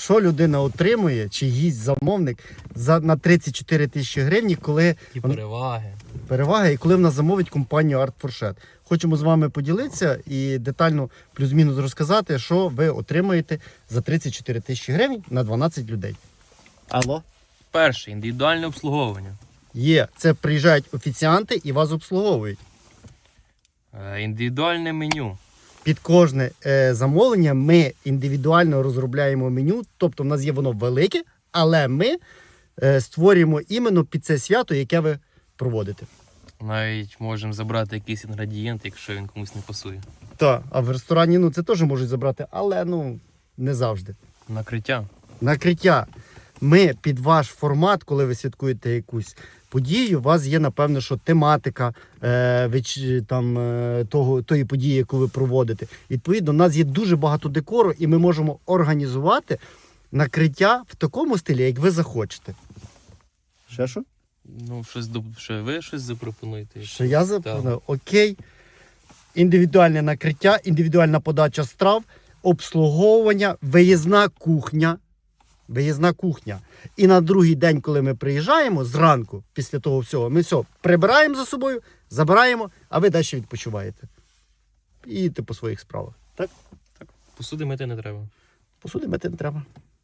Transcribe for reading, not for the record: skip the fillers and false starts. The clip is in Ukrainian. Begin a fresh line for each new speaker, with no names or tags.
що людина отримує, чи їсть замовник на 34 тисячі гривень, коли
І переваги.
перевага, і коли в нас замовить компанію Art Fourchette. Хочемо з вами поділитися і детально плюс-мінус розказати, що ви отримаєте за 34 тисячі гривень на 12 людей. Алло?
Перше, індивідуальне обслуговування.
Є. Це приїжджають офіціанти і вас обслуговують.
Індивідуальне меню.
Під кожне замовлення ми індивідуально розробляємо меню, тобто в нас є воно велике, але ми створюємо іменно під це свято, яке ви проводите.
Навіть можемо забрати якийсь інгредієнт, якщо він комусь не пасує.
Так, а в ресторані це теж можуть забрати, але не завжди.
Накриття.
Накриття. Ми під ваш формат, коли ви святкуєте якусь подію, у вас є, напевно, що тематика тої події, яку ви проводите. Відповідно, у нас є дуже багато декору, і ми можемо організувати накриття в такому стилі, як ви захочете. Ще що?
Ще ви щось запропонуєте?
Що я запропоную? Окей. Індивідуальне накриття, індивідуальна подача страв, обслуговування, виїзна кухня. Виїзна кухня. І на другий день, коли ми приїжджаємо, зранку, після того всього, ми все прибираємо за собою, забираємо, а ви далі відпочиваєте. І їдете по своїх справах. Так?
Так. Посуди мити не треба.
Посуди мити не треба.